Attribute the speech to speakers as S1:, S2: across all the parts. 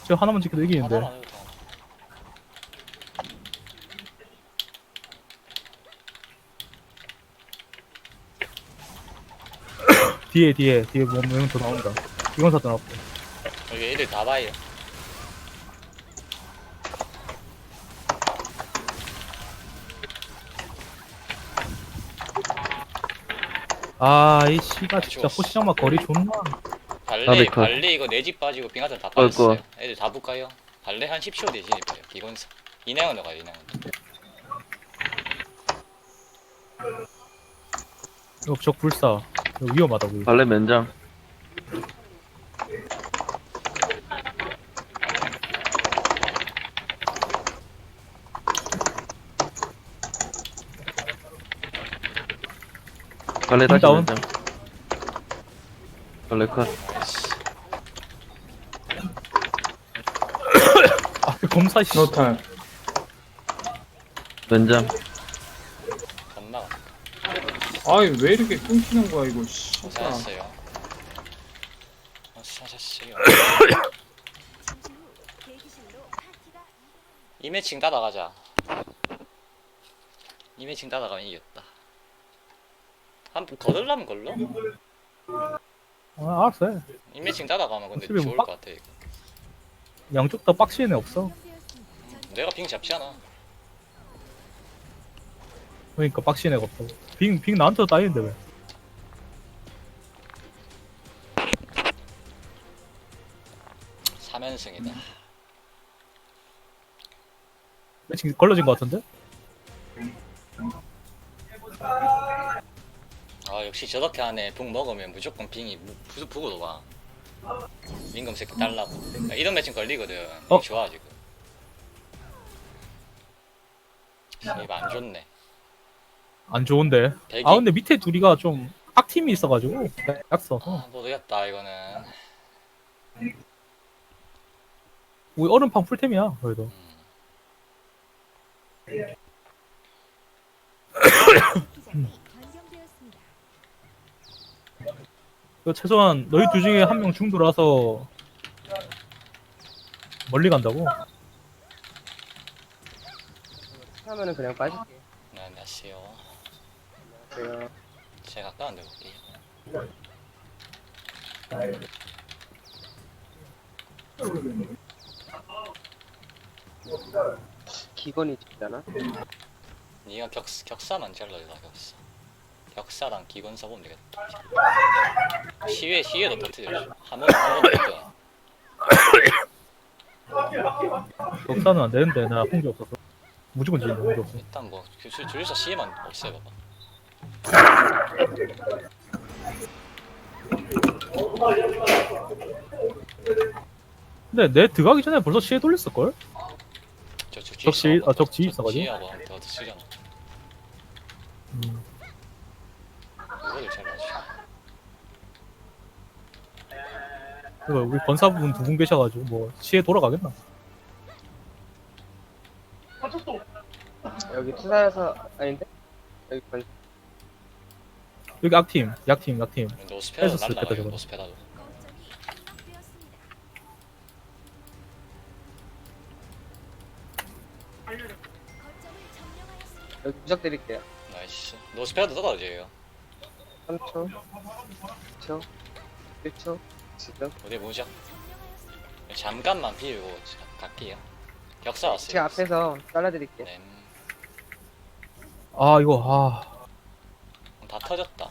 S1: 저 하나만 지켜도 이기는데.
S2: 하나만 해도 돼.
S1: 뒤에 뭐 더 나온다. 이건 사도 나왔고.
S2: 여기 애들 다 봐요.
S1: 아, 이 씨가 진짜
S2: 죽었어.
S1: 호시장막 거리 존나.
S2: 발레 이거 내 집 빠지고 빙하선 다 빠졌어요. 애들 다 볼까요? 발레 한 10초 뒤에 진입해요. 기건사. 이내원으로 가요, 이내원.
S1: 이거 적 불사. 이거 위험하다고.
S3: 발레 면장. 발레 다시
S1: 다운.
S3: 면장. 발레 컷.
S1: 아, 그 검사 씨.
S4: 노탈.
S3: 면장.
S2: 겁나
S4: 아이 왜 이렇게 끊기는 거야 이거 씨.
S2: 고생했어요. 수고하셨어요. 이 매칭 따라가자. 이 매칭 따라가면 이겼다. 한번 거들라면 걸러?
S1: 아, 알았어 해.
S2: 이 매칭 따라가면 근데
S1: 어차피
S2: 좋을
S1: 뭐
S2: 것 같아 이거.
S1: 양쪽 다 빡치는 애 없어.
S2: 내가 빙 잡지 않아.
S1: 그러니까 빡치는 애가 없어. 빙 나한테도 따이는데 왜.
S2: 삼연승이다
S1: 매칭 걸러진 것 같은데?
S2: 아 역시 저렇게 안에 북 먹으면 무조건 빙이 부고도 가. 민검 새끼 달라고. 이런 매칭 걸리거든.
S1: 어?
S2: 좋아 지금. 이거 안 좋네.
S1: 안 좋은데.
S2: 대기.
S1: 아, 근데 밑에 둘이가 좀 악팀이 있어가지고. 약서.
S2: 모르겠다 이거는.
S1: 우리 얼음판 풀템이야, 그래도. 이거 최소한 너희 둘 중에 한 명 중도라서 멀리 간다고?
S5: 하면은 그냥 빠질게.
S2: 네, 안녕하세요.
S5: 제가
S2: 제가 가까운 데 볼게요.
S5: 기건이 있잖아.
S2: 니가 격사만 잘라줘라 격사. 격사랑 기건 써보면 되겠다. 시외도 터트려. 한번 터트려.
S1: 역사는 안 되는데 나 홍기 없어서 무조건 지는다 홍기 없어.
S2: 일단 뭐 주유소 시에만 없애봐봐.
S1: 근데 내 들어가기 전에 벌써 시에 돌렸을걸? 적지 있어가지고?
S2: 적지하고 더 쓰잖아. 이거를 잘 맞지.
S1: 이거 우리 권사분 두 분 계셔가지고 뭐 시에 돌아가겠나?
S5: 여기 투사여서 아닌데? 여기 건
S1: 여기 약팀.
S2: 노스페라도
S1: 뺏었을
S2: 날라가요.
S1: 때도
S2: 노스페라도.
S5: 여기 부적 드릴게요.
S2: 나이스. 노스페라도 떨어져요.
S5: 3초, 2초, 1초. 지금
S2: 어디 보자. 잠깐만 비우고 갈게요. 격사 왔어요.
S5: 제 앞에서 잘라드릴게요.
S2: 네.
S1: 아 이거
S2: 다 터졌다.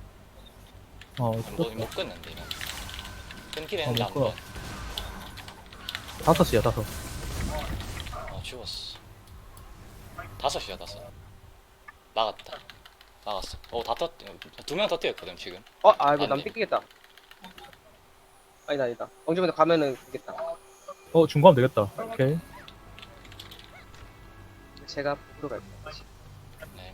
S2: 못 끊는데 이거. 끊긴 했는데
S1: 못
S2: 안
S1: 끊어.
S2: 돼.
S1: 5시야 5.
S2: 죽었어. 5이야 5. 막았다. 막았어. 다 터. 2명 터뜨렸거든 지금.
S5: 이거
S2: 안
S5: 남
S2: 돼.
S5: 뺏기겠다. 아니다. 엉주면 가면은 되겠다.
S1: 중과하면 되겠다. 오케이.
S5: 제가 보러 갈게요.
S2: 네.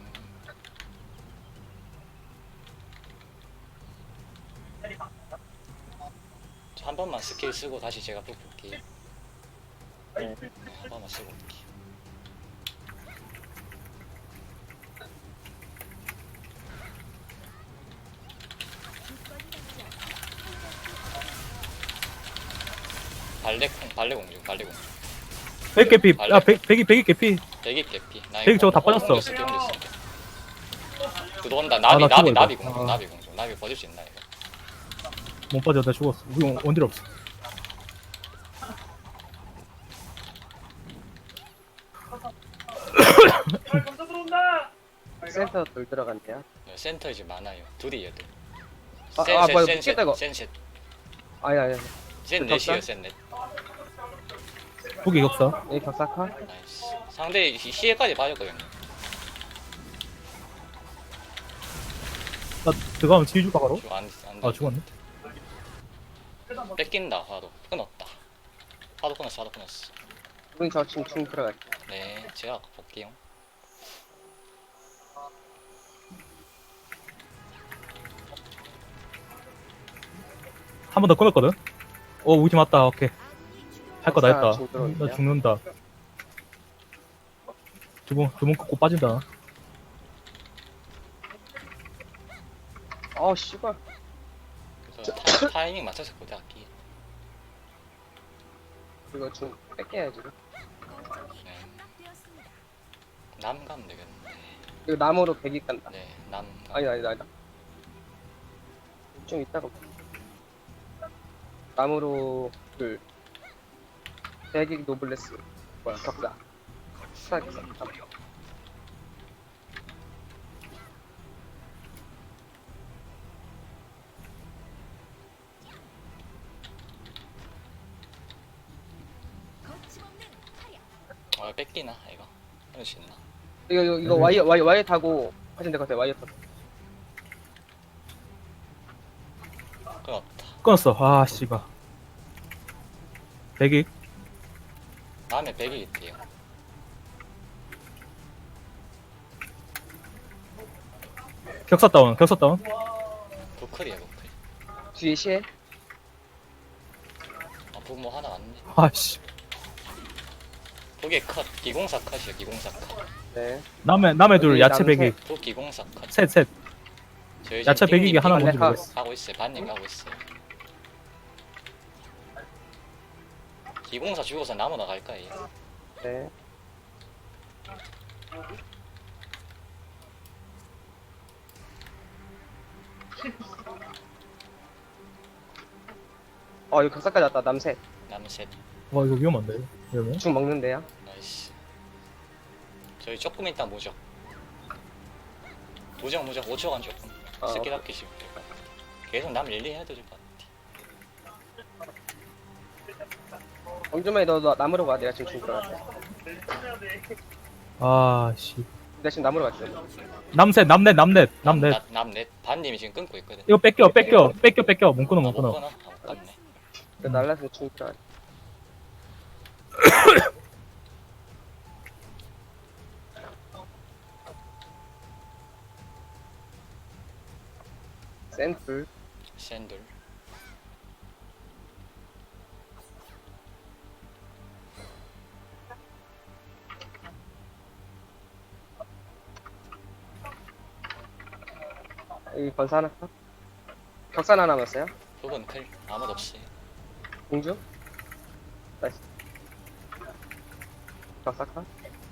S2: 한 번만 스킬 쓰고 다시 제가 뽑을게요.
S5: 네.
S2: 한 번만 쓰고 올게요. 발레 공중.
S1: 백 개피.
S2: 발레.
S1: 야, 백이 개피.
S2: 대기 개피. 나
S1: 대기 저거 다 빠졌어.
S2: 옮겼어. 그거 온다.
S1: 나
S2: 나비
S1: 죽어,
S2: 나비
S1: 이거.
S2: 공중.
S1: 아.
S2: 나비 공중. 나비 버릴 수 있나 이거?
S1: 못 빠져. 나 죽었어. 우리 원딜 없어.
S5: 센터 돌 들어간대요.
S2: 센터 이제 많아요. 둘이에요, 둘.
S5: 뭐야, 미치겠다, 이거.
S2: 센셋.
S5: 아니.
S2: 센
S5: 격사?
S2: 넷이에요, 센 넷.
S1: 후기 격사.
S5: 여기 격사카?
S2: 나이스. 상대 시에까지 빠졌거든요.
S1: 나 들어가면 뒤에 줄까 바로?
S2: 안
S1: 아 죽었네.
S2: 뺏긴다, 화도. 끊었다. 화도 끊었어.
S5: 우린 저 지금 중 들어갈게.
S2: 네, 제가 볼게요.
S1: 한 번 더 끊었거든. 우리 팀 왔다. 오케이. 할 거 다 했다.
S5: 중 들어올게요.
S1: 나 죽는다. 두번 끊고 빠진다.
S5: 씨발.
S2: 그래서 타이밍 맞춰서 고대 할게.
S5: 이거 중 뺏겨야지.
S2: 네. 남 가면 되겠는데.
S5: 이거 나무로 100이 간다.
S2: 네, 남.
S5: 아니다. 좀 이따가. 나무로 100이 노블레스. 뭐야, 격사. 수사격사.
S2: 뺏기나 이거? 할 수 있나?
S5: 이거 와이어 타고 하시면 될 것 같아요. 와이어 타고.
S2: 끊었다.
S1: 끊었어. 아 씨발. 백이.
S2: 다음에 100이 있대요.
S1: 격사 다운.
S2: 부클이야, 부클.
S5: 뒤에 시에
S2: 부모 하나 왔네.
S1: 아씨.
S2: 그게 컷. 기공사 컷이야, 기공사 컷.
S5: 네.
S1: 남의 둘
S5: 여기
S1: 야채
S5: 남색.
S1: 백이.
S2: 부 기공사 컷.
S1: 셋.
S2: 저희
S1: 야채
S2: 지금
S1: 백이기 하나
S5: 뭔지
S1: 뭔지 모르겠어.
S2: 하고 있어요. 반님 하고 있어요. 기공사 죽어서 나무 나갈까 얘?
S5: 네. 이거 격사까지 왔다. 남색.
S2: 남셋.
S1: 와 이거 위험한데. 이러면.
S5: 중 먹는데요.
S2: 나이스. 저희 조금 있다 무적. 무적 5초간 조금. 스킬 아끼시면 될 것 같아. 계속 남 릴리 해도 될 것 같아.
S5: 정주만이 너 나무로 가. 내가 지금 중 들어갈게.
S1: 아 씨.
S5: 내가 지금 나무로 갈게.
S1: 남넷.
S2: 남넷. 반님이 지금 끊고 있거든.
S1: 이거 뺏겨. 못 끊어.
S2: 못 끊어? 못 끊네.
S5: 날라서 중 들어갈게. 샘플.
S2: 샌들.
S5: 여기 건사 하나 까 격사 하나 남았어요.
S2: 부분 클. 아무도 없이.
S5: 공주. 나이스. 격사 카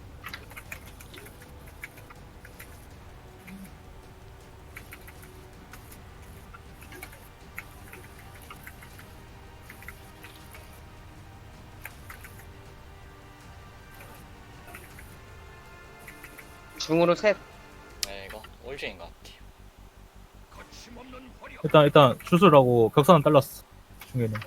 S5: 중으로 셋.
S2: 네, 이거 올주인 것 같아요.
S1: 일단 주술하고 격사는 잘랐어. 중에는.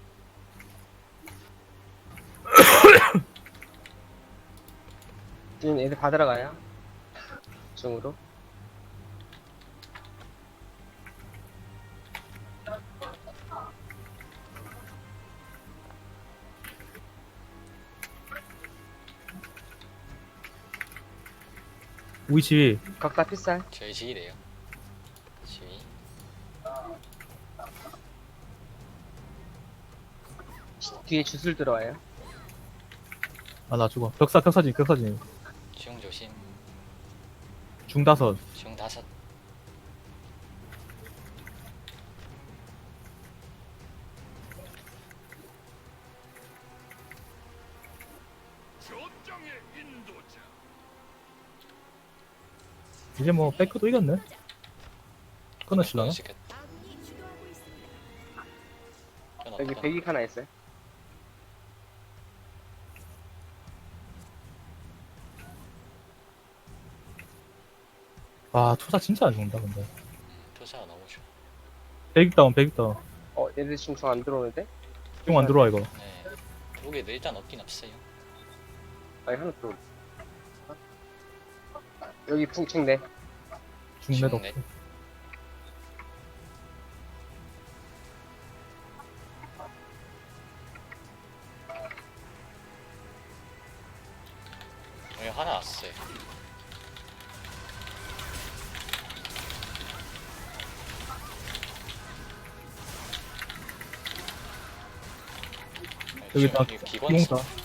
S5: 지금 애들 다 들어가요. 중으로.
S1: 우리 집
S5: 격사 필살.
S2: 저희 지휘래요. 지휘.
S5: 뒤에 주술 들어와요.
S1: 아 나 죽어. 격사진.
S2: 중 조심.
S1: 중5.
S2: 중 5.
S1: 이제 뭐 백크도 이겼네. 끊으실라나?
S2: 시켰다.
S5: 여기 배기 하나 있어요.
S1: 아 투사 진짜 안 좋은다 근데.
S2: 표사가 너무 좋아.
S1: 백익다운 백익다운.
S5: 얘들 지금 중 안 들어오는데?
S1: 형 안 들어와 이거.
S2: 네. 여기도 일단 없긴 없어요.
S5: 아니, 하나 들어오. 여기 풍칭네.
S1: 중매도
S2: 중매.
S1: 없어.
S2: 여기 하나 왔어요.
S1: 여기 다
S2: 기관사.
S1: 용사.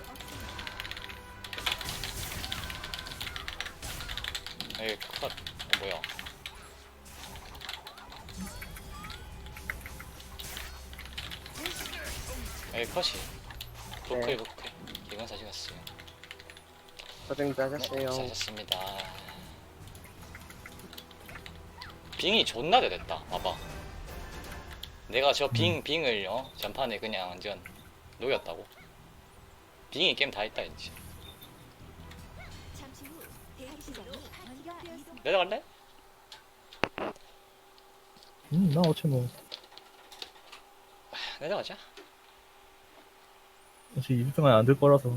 S2: 여기 컷. 뭐야? 여기 컷이.
S5: 네.
S2: 부클. 기관사 찍었어요.
S5: 고생도 하셨어요.
S2: 사셨습니다. 빙이 존나 잘됐다. 봐봐. 내가 저 빙을 전판에 그냥 완전 녹였다고. 빙이 게임 다 했다 이제.
S3: 잠시 후 대학 시장이 완료되었습니다.
S2: 내려갈래?
S1: 나 어째 뭐
S2: 내려가자.
S1: 역시 20등 안에 안들 거라서.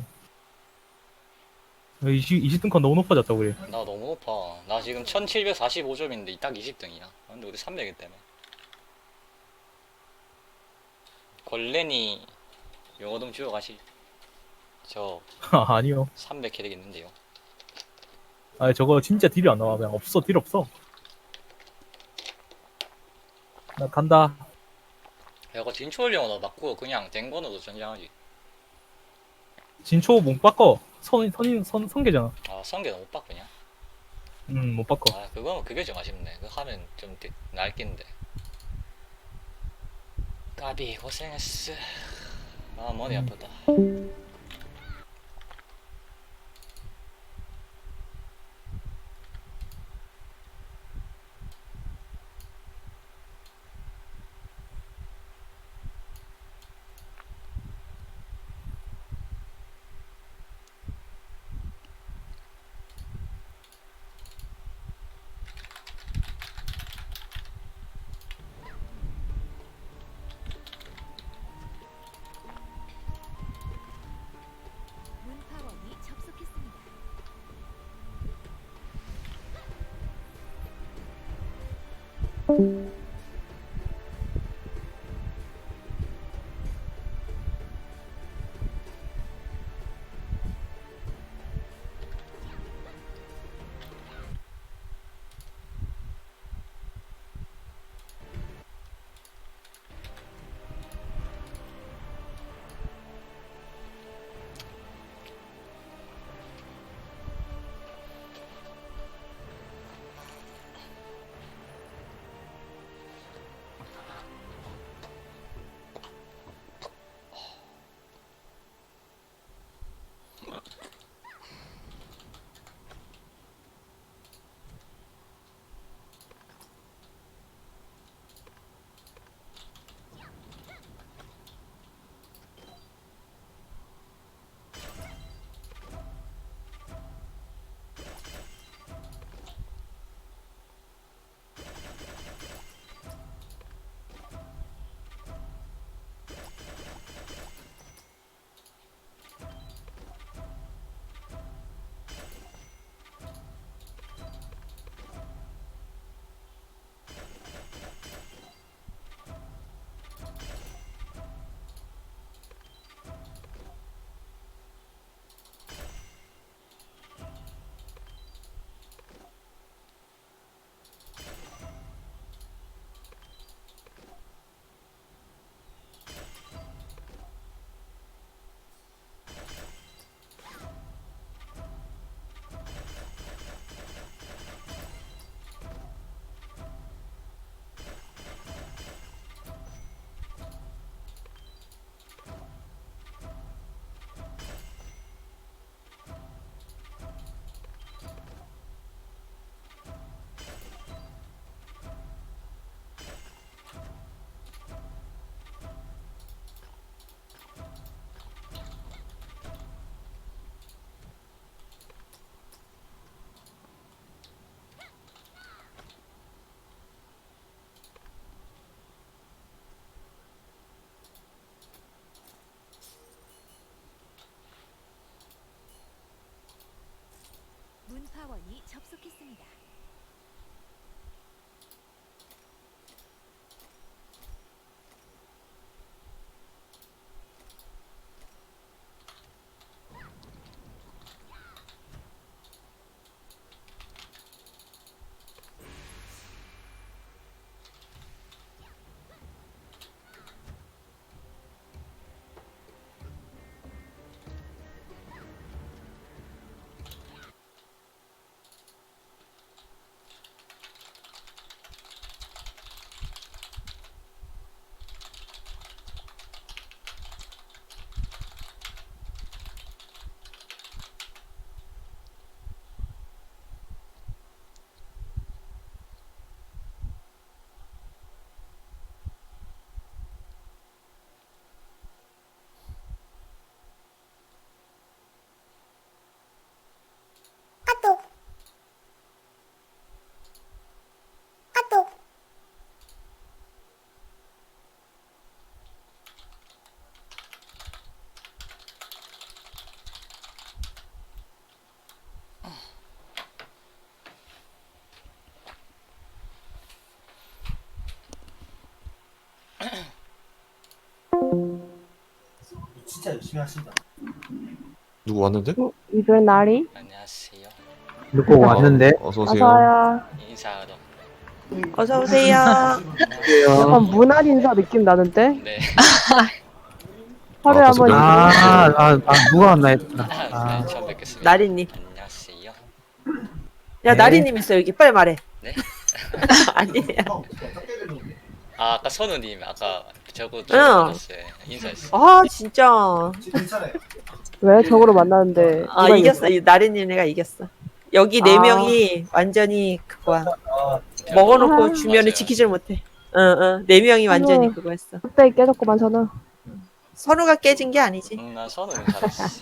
S1: 20등컷 너무 높아졌다 우리.
S2: 나 너무 높아. 나 지금 1745점인데 딱 20등이야. 근데 우리 300이기 때문에. 걸레니 용어 좀 주워 가시. 저
S1: 아니요.
S2: 300 캐릭 있는데요.
S1: 아니 저거 진짜 딜이 안 나와. 그냥 없어 딜 없어. 나 간다.
S2: 이거 진초월 용어도 맞고 그냥 댕건으로 전쟁하지.
S1: 진초 못 바꿔. 선계잖아.
S2: 아 성게 너무 빡그냐?
S1: 못 바꿔.
S2: 아 그게 좀 아쉽네. 그거 하면 좀 날낀데. 까비 고생했어. 아 머리 아프다.
S3: 문파원이 접속했습니다. 대시장이 접속했습니다.
S6: 진짜 열심히 하신다.
S7: 누구 왔는데?
S8: 이별 날이?
S2: 안녕하세요.
S1: 누구 왔는데?
S7: 어서 오세요.
S8: 맞아요.
S2: 인사하러.
S8: 어서 오세요.
S1: 안녕하세요.
S8: 약간 문화 인사 느낌 나는데?
S2: 네.
S8: 하루에
S7: 아,
S8: 한 번.
S7: 벌써
S1: 누가 왔나 했구나.
S2: 네, 처음 뵙겠습니다.
S9: 나리님.
S2: 안녕하세요.
S9: 야,
S1: 네.
S9: 나리님 있어, 여기. 빨리 말해.
S2: 네?
S9: 아니야.
S2: 아, 아까 선우님 아까 저거
S9: 응.
S2: 만났어요. 인사했어.
S9: 아, 진짜.
S6: 괜찮아요.
S8: 왜 저거로 만나는데?
S9: 아,
S8: 누가
S9: 이겼어. 이 나리님 내가 이겼어. 여기 네
S8: 아.
S9: 명이 완전히 그거야. 먹어놓고
S8: 아.
S9: 주면은
S2: 맞아요.
S9: 지키질 못해. 네 명이 완전히
S8: 어머.
S9: 그거 했어.
S8: 그때 깨졌구만 저는.
S9: 선우가 깨진 게 아니지.
S2: 나 선우는 잘했어.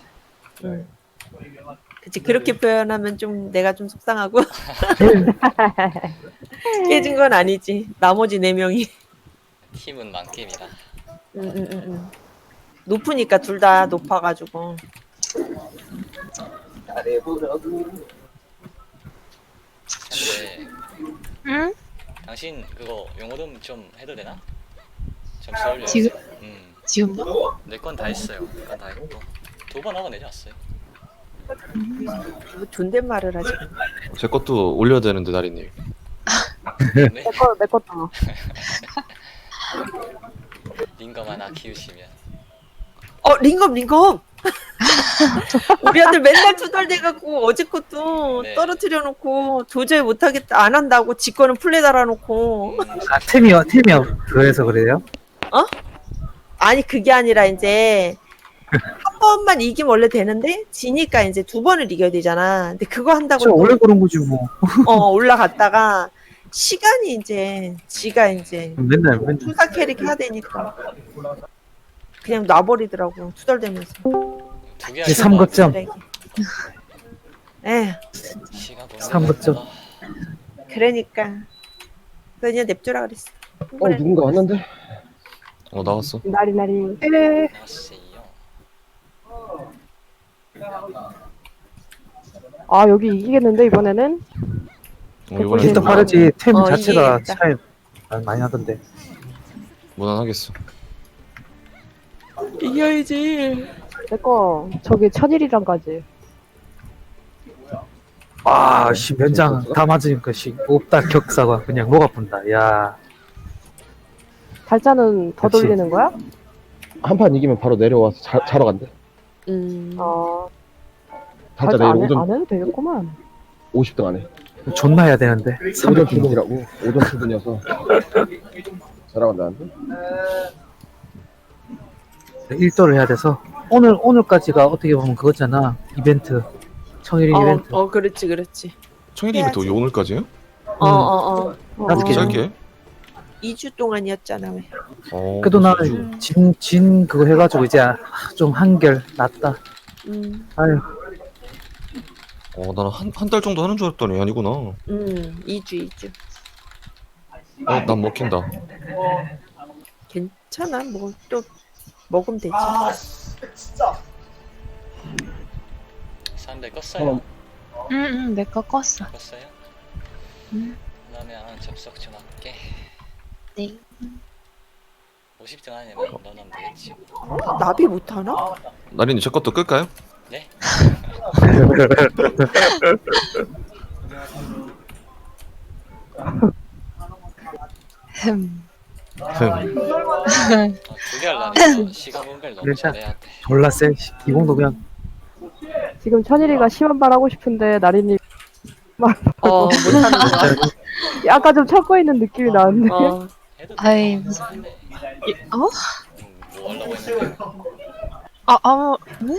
S9: 그치, 그렇게 표현하면 좀 내가 좀 속상하고. 깨진 건 아니지. 나머지 네 명이.
S2: 팀은 만겜이다.
S9: 높으니까 둘 다 높아가지고.
S2: 근데
S8: 응?
S2: 당신 그거 용어름 좀 해도 되나? 좀 서울려.
S10: 지금? 지금요?
S2: 내 건 다 했어요. 내 건 다 했고 2번 하고 내려왔어요.
S9: 뭐 존댓말을 하지.
S7: 제 것도 올려야 되는데 나리님.
S2: 네?
S8: 내 것도.
S2: 링검 하나 키우시면
S9: 링검! 우리 아들 맨날 투덜대갖고 어제 것도
S2: 네.
S9: 떨어뜨려 놓고 도저히 못하겠다 안 한다고 지 거는 플레 달아놓고
S1: 템이 그래서 그래요?
S9: 아니 그게 아니라 이제 한 번만 이기면 원래 되는데 지니까 이제 두 번을 이겨야 되잖아. 근데 그거 한다고 또,
S1: 원래 그런 거지 뭐.
S9: 올라갔다가 시간이 이제 지가 이제
S1: 맨날.
S9: 투사 캐릭 해야 되니까 그냥 놔버리더라고 투덜대면서.
S2: 두개
S1: 이제 3거점.
S9: 에
S2: 시간 보내.
S1: 3거점.
S9: 그러니까 그냥 냅두라 그랬어.
S5: 누군가 왔는데?
S7: 나왔어.
S8: 날이.
S2: 나왔어요.
S8: 아 여기 이기겠는데 이번에는?
S7: 이번에
S8: 일단
S1: 빠르지. 템
S9: 자체가
S1: 차이 많이 나던데.
S7: 무난하겠어.
S9: 이겨야지.
S8: 내 거 저기 천일이랑까지.
S1: 와, 면장 다 맞으니까 없다 격사가 그냥 목 아픈다. 야.
S8: 달자는 더
S1: 역시.
S8: 돌리는 거야?
S5: 한 판 이기면 바로 내려와서 자러 간대.
S8: 달자
S5: 달자 내일
S8: 안
S5: 오전
S8: 해도 되겠구만.
S5: 50등 안 해.
S1: 존나 해야 되는데.
S5: 오전 출근이라고. 오전 출근이어서 자러 간다는데?
S1: 일도를 해야 돼서 오늘까지가 어떻게 보면 그거잖아. 이벤트. 청일 이벤트.
S9: 그렇지.
S7: 청일이면 또 오늘까지요?
S1: 나도
S7: 짧게?
S9: 2주 동안이었잖아 왜.
S1: 그래도 나는 진 그거 해가지고 이제 좀 한결 낫다. 아유.
S7: 나는 한 달 정도 하는 줄 알았더니 아니구나.
S9: 2주.
S7: 난 먹힌다.
S9: 괜찮아 뭐 또 먹으면 되지.
S2: 사람들 껐어요.
S10: 응, 내 거 껐어.
S2: 껐어요?
S10: 응.
S2: 그러면 접속 좀 할게.
S10: 네.
S2: 50등 안에만 넣어놓으면 되겠지.
S9: 나비 못하나?
S7: 나린이 제 것도 끌까요?
S2: 네?
S10: 흠.
S2: 두개 하려면 시간 분배를 너무
S1: 일단
S2: 잘해야 돼.
S1: 졸라 쎄. 기공도 그냥
S8: 지금 천일이가 심한 말 하고 싶은데 나린이
S9: 못하는 거.
S8: 약간 좀 참고 있는 느낌이 나는데.
S2: 해도
S10: 아이,
S2: 돼.
S10: 무슨-
S2: 네.
S10: 어?
S2: 뭐 하려고 했는데.
S10: 네?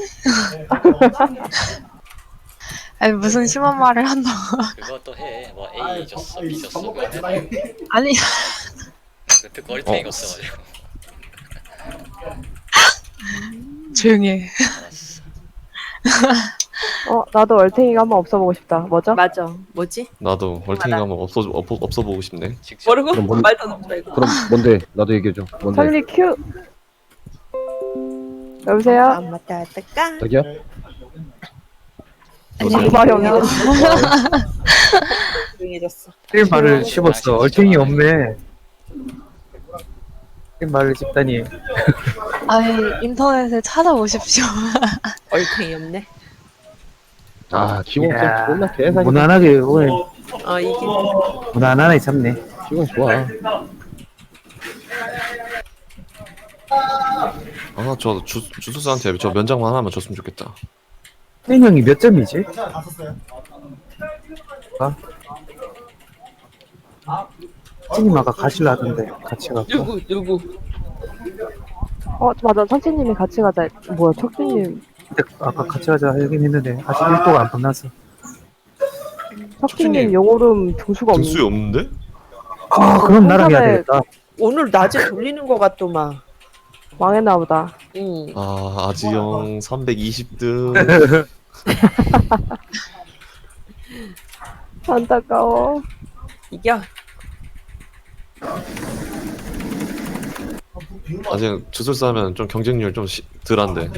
S10: 아니, 무슨 심한 말을 한다고.
S2: 그것도 해. 뭐 A 줬어, B 줬어. 그거 해봐.
S10: 아니,
S2: 그 듣고 얼탱이가 없어가지고.
S10: 조용히 해.
S2: 알았어.
S8: 나도 얼탱이가 한번 없어보고 싶다. 뭐죠?
S9: 맞아. 뭐지?
S7: 나도 얼탱이가 한번 없어 보고 싶네.
S2: 직접.
S9: 모르고 말도 안 돼.
S11: 그럼 뭔데? 나도 얘기해줘. 뭔데?
S8: 천일이 큐. 여보세요?
S9: 맞다, 따까.
S11: 저기요?
S8: 이마형이요.
S9: 조용해졌어.
S1: 일 말을 씹었어. 얼탱이 없네. 일 말을 씹다니.
S10: 아니, 인터넷에 찾아보십시오.
S9: 얼탱이 없네.
S11: 아, 지금
S1: 이야,
S11: 존나 개사기.
S1: 무난하게 오늘
S9: 이긴.
S1: 무난하게 잡네.
S11: 지금 좋아.
S7: 아, 저 주수사한테 저 면장만 하나만 줬으면 좋겠다.
S1: 혜인 형이 몇 점이지?
S6: 괜찮아, 다 썼어요.
S1: 찐님 아까 가실라 하던데 같이 가고.
S9: 누구?
S8: 맞아. 천치님이 같이 가자. 뭐야, 척주님.
S1: 근데 아까 같이 가자 하긴 했는데 아직 1도가 안 끝났어.
S8: 척주님 용오름 등수가 없는.
S7: 등수이 없는데?
S1: 아 그럼 나랑 해야
S8: 한참에-
S1: 되겠다.
S9: 오늘 낮에 돌리는 거 같더만.
S8: 망했나 보다.
S9: 응.
S7: 아, 아지영 320등.
S8: 안타까워.
S9: 이겨.
S7: 아직 주술사 하면 좀 경쟁률 좀 덜한데.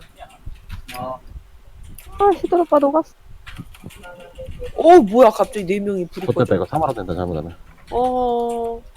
S8: 시들 오빠 녹았어.
S9: 뭐야, 갑자기 4명이 불이
S11: 그때
S9: 꺼져.
S11: 내가 3만 원 된다 잘못하면.